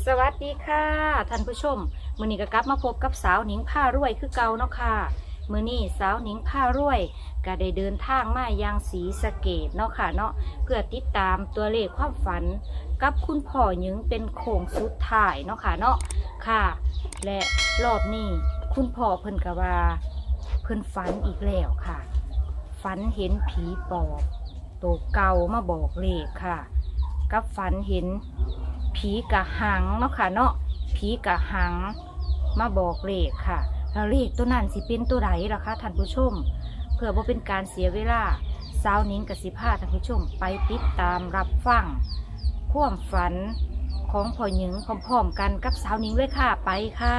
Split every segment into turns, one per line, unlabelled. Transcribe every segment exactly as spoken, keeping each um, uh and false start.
สวัสดีค่ะท่านผู้ชมมื้อนี้ก็กลับมาพบกับสาวหนิงผ้ารวยคือเก่าเนาะค่ะมื้อนี้สาวหนิงผ้ารวยก็ได้เดินทางมายังศรีสะเกษเนาะค่ะเนาะเพื่อติดตามตัวเลขความฝันกับคุณพ่อหยิงเป็นโค้งสุดท้ายเนาะค่ะเนาะค่ะและรอบนี้คุณพ่อเพิ่นก็ว่าเพิ่นฝันอีกแล้วค่ะฝันเห็นผีปอบตัวเก่ามาบอกเลขค่ะกับฝันเห็นผีกะหังเนาะค่ะเนาะผีกะหังมาบอกเลขค่ะแล้วเลขตัวนั้นสิเป็นตัวใดล่ะคะท่านผู้ชมเพื่อบ่เป็นการเสียเวลาสาวนิ้งกับสิพาท่านผู้ชมไปติดตามรับฟังความฝันของพ่อหยิงพร้อมๆกันกับสาวนิ้งเลยค่ะไปค่ะ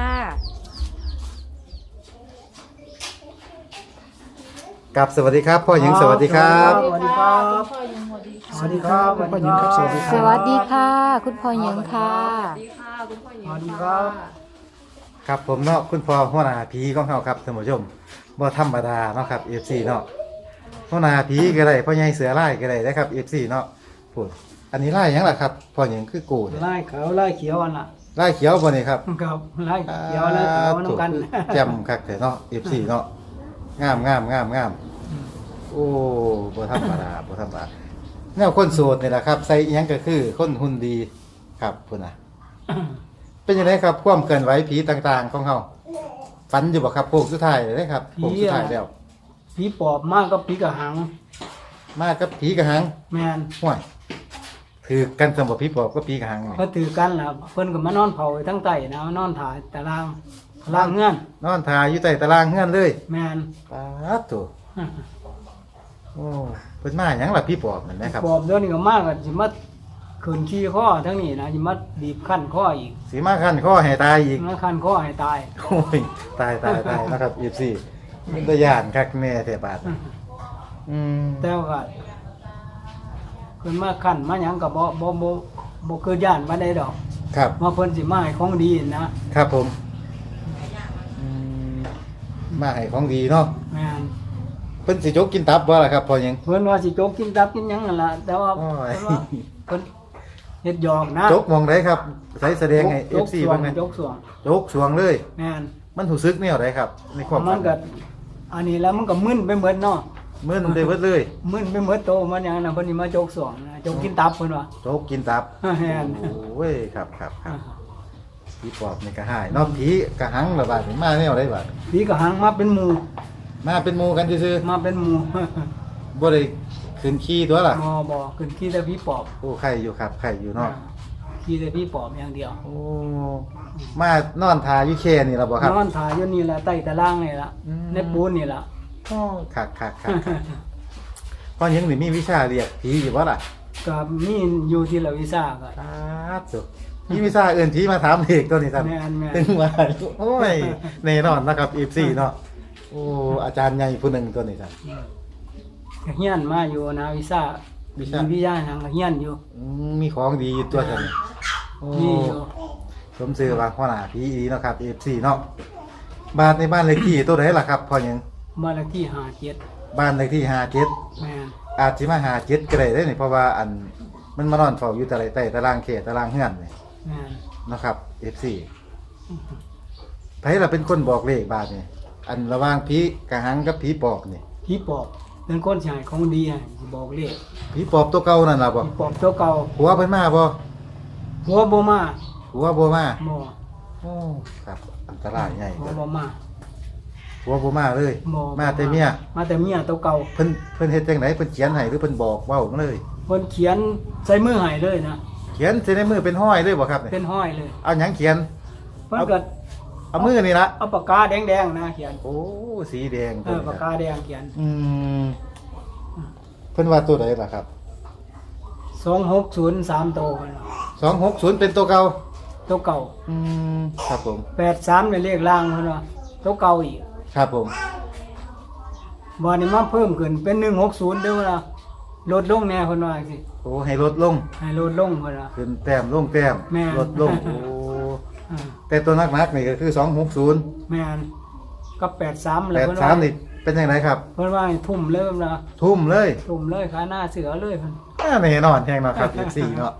กับสวัสดีครับพ่อหญิงสวัสดีครับ
สวัสดีครับสวัสดีครับพ่อหญิงครับสวัสดีค
ส
รับ
วัสดีค่ะคุณพ่อหยิงค่ะ
สวัสดีค่ะคุณพ่อหญิง
สวัสดีครับ
ครับผมเนาะคุณพ่อหัวหน้าผีของเขาครับท่านผู้ชมบ่ธรรมดาเนาะครับ เอฟ ซี เนาะหัวหน้าผีก็ได้พ่อใหญ่เสือไล่ก็ได้นะครับ เอฟ ซี เนาะพูดอันนี้ไล่หยังล่ะครับพ่อหญิงคือกูเนี่ย
ไล่ขาวไล่เขียวอันละ
ไล่เขียวบ่นี่ครับ
ครับไล่เขียวไล่ขาวน้ำกัน
แจ่มคักแต่เนาะ เอฟ ซี เนาะงามงามงามงามโอ้บ่ธรรมดาบ่ธรรมดาแนวคนโสดนี่แหละครับใส่อิหยังก็คือคนหุ่นดีครับพุ่นน่ะ เป็นยังไงครับความเคลื่อนไหวผีต่างๆของเขาฝันอยู่บ่ครับโค้งสุดท้ายเลยครับโค้งสุดท้ายแล้ว
ผีปอบมากก็ผีกระหัง
มากับผีกระหัง
แมน
ห่วยถือกันสมบัติผีปอบก็ผีกระหังนี่
ก็ถือกันล่ะเพิ่นก็มานอนเผาไว้ทั้งใต้นะมานอนถ่ายตารางตารางเงื่อน
นอนทาอยู่ใต้ตารางเฮือนเลย
แมน
ป๊าดโตโอ้เพิ่นมาหยังล่ะผีปอบนั่นนะครับ
ปอบเดี๋ยวนี้ก็มากก็สิมาขืนขี้ข้อทั้งนี้นะสิมาบีบขั้นข้ออีก
สิมาคันข้อให้ตายอีก
มาขั้นข้อให้ตาย
โอ้ยตายตายตายนะครับ เอฟ ซี มันตะย่านคักแน่แท้บาดอืม
แต่ว่าเพิ่นมาขั้นมาหยังก็บ่บ่บ่บ่คือย่านมาได้ดอก
ครับ
ว่าเพิ่นสิมาให้ของดีนะครับ
ผมอืมมาให้ของดีเนาะ
แม่น
เพิ่นสิจกกินตับบ่ล่ะครับพ่อหยัง
เพิ่นว่าสิโจกกินตับกินหยังนั่นล่ะแต่ว่า
โอ้ย
เพิ่นว่าเพิ่นเฮ็ดหยอกนะ
จกมองได้ครับใช้แสดงให้
โจ
เอก ฟ ซี
สว
เบิ่
ง
งให้
โจกสวง
จกสวงเลย
แม่น
มันรู้สึกแนวใดครับ ในความ
มันก็อันนี้แล้วมันก็มึนไปหมดเนาะ
มึนได้เบิดเลย
มึนไปหมดโตมันหยังน่ะเพิ่นสิมาโจกสวงนะโจกกินตับเพิ่นว่า
จกกินตับ
แม่น
โอ้ยครับครับครับผีปอบนี่ก็หายเนอกผีกระหังระบาดนี่มาแนวใดบาด
ผีก็หังมาเป็นหมู่
มาเป็นหมู่กันซื่อ
มาเป็นหมู่
ๆบ่ได้ขึ้นขี้ตัวล่ะ
บ่บ่ขึ้นขี้แต่ผีปอบ
โอ้ไข่อยู่ครับไข่อยู่เนาะ
ขี้แต่ผีปอบอย่างเดียว
โอ้มานอนทาอยู่แค่นี่ล่ะบ่ครับ
นอนถ่ายอยู่นี่แหละใต้ตารางนี่ล่ะ
อืม
ในปูนนี่ล่ะ
โอ้คักคักคักคักพ่อหยังนี่มีวิชาเรียกผีอยู่บ่ล่ะ
ก็มีอยู่ที่ละวิชาก็
ครับสุมีวิชาเอื่นผีมาถามเลขตัวนี้ครับ
แม่นแม่น
ถึงว่าโอ้ยแน่นอนนะครับ เอฟ ซี เนาะโอ้อาจารย์ใหญ่ผู้หนึงตัวนี้ครับ
ก็เฮียนมาอยู่นะวิชา
วิชา
วิทยาทางก็เฮียนอยู่
อืมมีของดีอยู่ตัวกันโอ้
มีอยู่
สมชื่อว่าพ่อหน้าผีอีเนาะครับ เอฟ ซี เนาะบ้านในบ้านเลขที่ตัวไหนล่ะครับพ่อหยัง
บ้านเลขที่ห้าเจ็ด
บ้านเลขที่ห้าเจ็ด
แม่น
อาจสิมาหาเจ็ดก็ได้เด้อนี่เพราะว่าอันมันมานอนเฝ้าอยู่แต่ไรใต้ตารางเขตตารางเฮือนนี่
แม่น
นะครับ เอฟ ซี ไผล่ะเป็นคนบอกเลขบาทนี่อันระหว่างผีกระหังกับผีปอบนี่
ผีปอบเป็นคนสิให้ของดีให้สิบอกเลข
ผีปอบตัวเก่านั่นล่ะบ่
ผีปอบตัวเก่า
หัวเพิ่นมาบ่
หัวบ่มา
หัวบ่มา
บ่
โอ้ครับอันตรายใหญ่
หัว
เด้อ
บ่มา
หัวบ่มาเลย
บ่
มาแต่เมีย
มาแต่เมียตัวเก่า
เพิ่นเพิ่นเฮ็ดจังไดเพิ่นเขียนให้หรือเพิ่นบอกเว้ามาเลย
เพิ่นเขียนใส่มือให้เลยนะ
เขียนใส่ในมือเป็นห้อยเลยบ่ครับนี่
เป็นห้อยเลย
เอาหยังเขียน
เพิ่นก็
เอามือนี่ละ
เอาปากกาแดงๆนะเขียน
โอ้สีแดง
เอ
ตัว
อ
นี้
ปาก
ครั
กา
บ
แดงเขียน
อืมเพิ่นว่าตัวใดล่ะครับ
สองหกศูนย์สามตัวเพิ่นว่า
สองหกศูนย์เป็นตัวเก่า
ตัวเก่า
อืมครับผม
แปดสามในเลขล่างเพิ่นว่าตัวเก่าอีก
ครับผม
วันนี้มาเพิ่มขึ้นเป็นหนึ่งหกศูนย์เด้อล่ะลดลงแน่เพิ่นว่าสิ
โอ้ให้ลดลง
ให้ลดลงเพิ่นว่า
ขึ้นแต้มลงแต้ม
แม่น
ลดลงโอ้
อ่า
แต่ตัวนักๆนี่ก็คือสองหกศูนย์
แม่นกับแปดสาม
แป
แล้ว
ด
เพิ่น
สา
ว่าม
นี่เป็นยังไงครับ
เพิ่นว่าให้ทุ่มเลยเพิ่นว่า
ทุ่มเลย
ทุ่มเลยขาหน้าเสือเลยเพิ่น
อ่าแน่นอนแห่งเนาะครับ เอฟ ซี เนาะ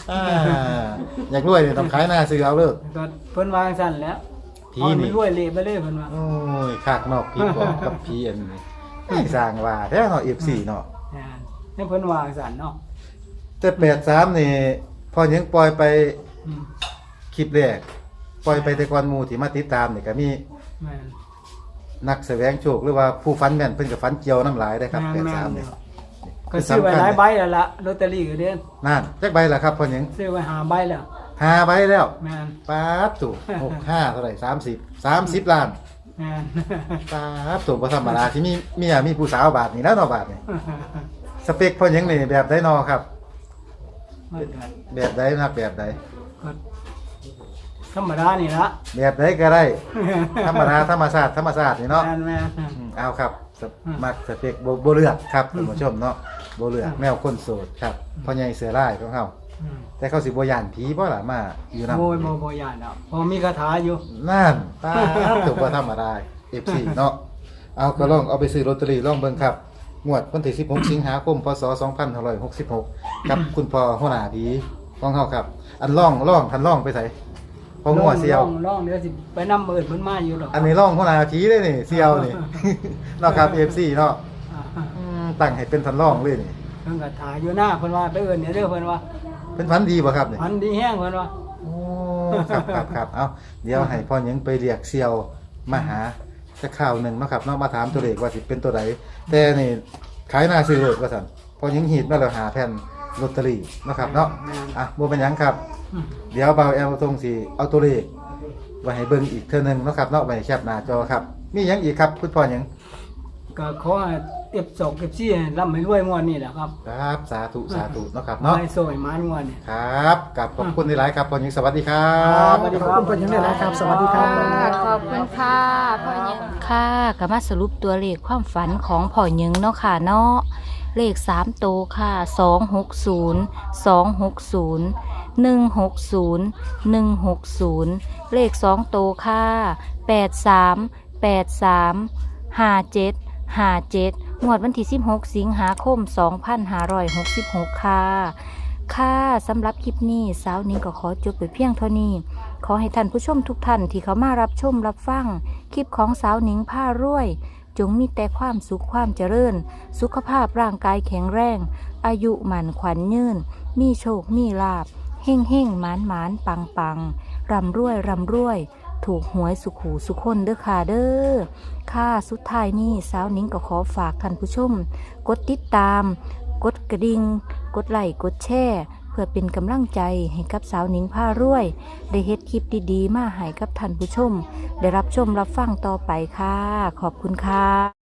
อ่าอยากรวยเนี่ยต้องขายหน้าซื้อเอาเลิก
ก็เพิ่นวาจังซั่นแหล้ว
ผี
เอา
นี่
มันรวยเละไปเลยเพิ่นว่า
โอ้ยขากนอกพี่บอกกับพี่อันนี้ไม่สร้างว่าแท้เนาะ เอฟ ซี เนาะ
อ่าให้เพิ่นวาจังซั่นเนาะ
แต่แปดสามนี่พอยังปล่อยไป
อืม
คลิปแรกปล่อยไปแต่ก่อนหมู่ที่มาติดตามนี่ก็มี
แม่น
นักแสวงโชคหรือว่าผู้ฟันแม่นเพิ่นก็ฟันเกี่ยวน้ำหลายได้ครับ
แม่น
แปดสาม
แม่
นี่
นก็ซื้อไว้หลายใบแล้วล่ะลอตเตอรี่ก็เด้น
นั่นจักใบล่ะครับพอยัง
ซื้อไว้ห้าใบแล้ว
ห้าใบแล้ว
แม่น
ป๊าบตู่หกห้าเท่าไหร่สามสิบสามสิบล้าน
แม่น
ป๊าบตู่บ่ธรรมดาที่มีเมียมีผู้สาวบาทนี่แล้วเนาะบาทนี่สเปคพอยังนี่แบบใดเนาะครับ
มันก็
แบบใดนักแบบใด
ก็ธรรมดานี่ละ
แบบใดก็ได้ ธรรมดาธรรมชาติธรรมชาตินี่เนาะ
แม่นแม่น
อืมเอาครับส
อืม
มักสเปกโบเลือกครับ
อื
ท่าม นผู้ชมเนาะโบเลือก
อืม
แมวคนโสดครับพ่อใหญ่เสือร้ายของเขา
อืม
แต่เขาสิบ่ย่านผีบ่ล่ะมาอยู่นำ
โมยโมโมยานแล้วพอมีคาถาอยู่
นั่นป้าบถูกบ่ธรรมดา เอฟ ซี เนาะเอาก็ลองเอาไปซื้อลอตเตอรี่ลองเบิ่งครับงวดวันที่สิบหกสิงหาคมพศสองพันห้าร้อยหกสิบหกกับคุณพ่อหัวหน้าผีของเฮาครับ อันล่องล่องทันล่องไปไสพอหัวเสียว
ล่องล่องเดี๋ยวสิไปนำเอิ้นเพิ่นมาอยู่ดอก
อันนี้ล่องหัวหน้าผีเลยนี่เสียวนี่ เนาะครับ เอฟ ซี เนาะ
อ่า
อืมตั้งให้เป็นทันล่องเลยนี่
เพิ่นก็ถ่ายอยู่หน้าเพิ่นว่าไปเอิ้นเนี่ยเด้อเพิ่นว่า
เป็นพันดีบ่ครับนี่
พันดีแห้งเพิ่นว่า
โอ้ครับครับครับเอาเดี๋ยวให้พ่อหยังไปเรียกเซียวมาหาจะข่าวหนึ่งเนาะครับเนาะมาถามตัวเลขว่าสิเป็นตัวใดแต่นี่ขายหน้าซื้อเลยว่าสั่นพ่อหยังหีดมาแล้วหาแผ่นลอตเตอรี่เนาะครับเนาะอ่ะบ่เป็นหยังครับ
อืม
เดี๋ยวเบาแอลทงสิเอาตัวเลขไว้ให้เบิ่งอีกเทื่อหนึงเนาะครับเนาะไว้ให้แคปหน้าจอครับ มีหยังอีกครับคุณพ่อหยัง
ก็ขอให้เอฟสองเอฟซีร่ำให้รวยงวดนี้แหละครับ
ครับสาธุสาธุเนาะครับเนาะ
ให้สวยมานงวดนี้
ครับกับขอบคุณหลายๆครับพ่อหยังสวัสดีครับ
สวัสดี
ขอบคุณเพิ่นยังได้หลายครับ สวัสดีครับ
ค่ะขอบคุณค่ะพ่อหยิงค่ะก็มาสรุปตัวเลขความฝันของพ่อหยิงเนาะค่ะเนาะเลขสามตัวค่ะสองหกศูนย์สองหกศูนย์หนึ่งหกศูนย์หนึ่งหกศูนย์เลขสองตัวค่ะแปดสามแปดสามห้าเจ็ดห้าเจ็ดงวดวันที่สิบหกสิงหาคมสองพันห้าร้อยหกสิบหกค่ะค่ะสำหรับคลิปนี้สาวนิ้งก็ขอจบไปเพียงเท่านี้ ขอให้ท่านผู้ชมทุกท่านที่เขามารับชมรับฟังคลิปของสาวหนิงผ้ารวย จงมีแต่ความสุขความเจริญ สุขภาพร่างกายแข็งแรง อายุหมันขวัญยืนมีโชคมีลาภเฮ่งเฮ่งหมานหมานปังปังร่ำรวยร่ำรวย ถูกหวยสุขหูสุขคนเด้อค่ะเด้อค่ะสุดท้ายนี้สาวหนิงก็ขอฝากท่านผู้ชม กดติดตาม กดกระดิ่งกดไลค์กดแชร์เพื่อเป็นกำลังใจให้กับสาวหนิงผ้ารวย ได้เฮ็ดคลิปดีๆมาให้กับท่านผู้ชม ได้รับชมรับฟังต่อไปค่ะ ขอบคุณค่ะ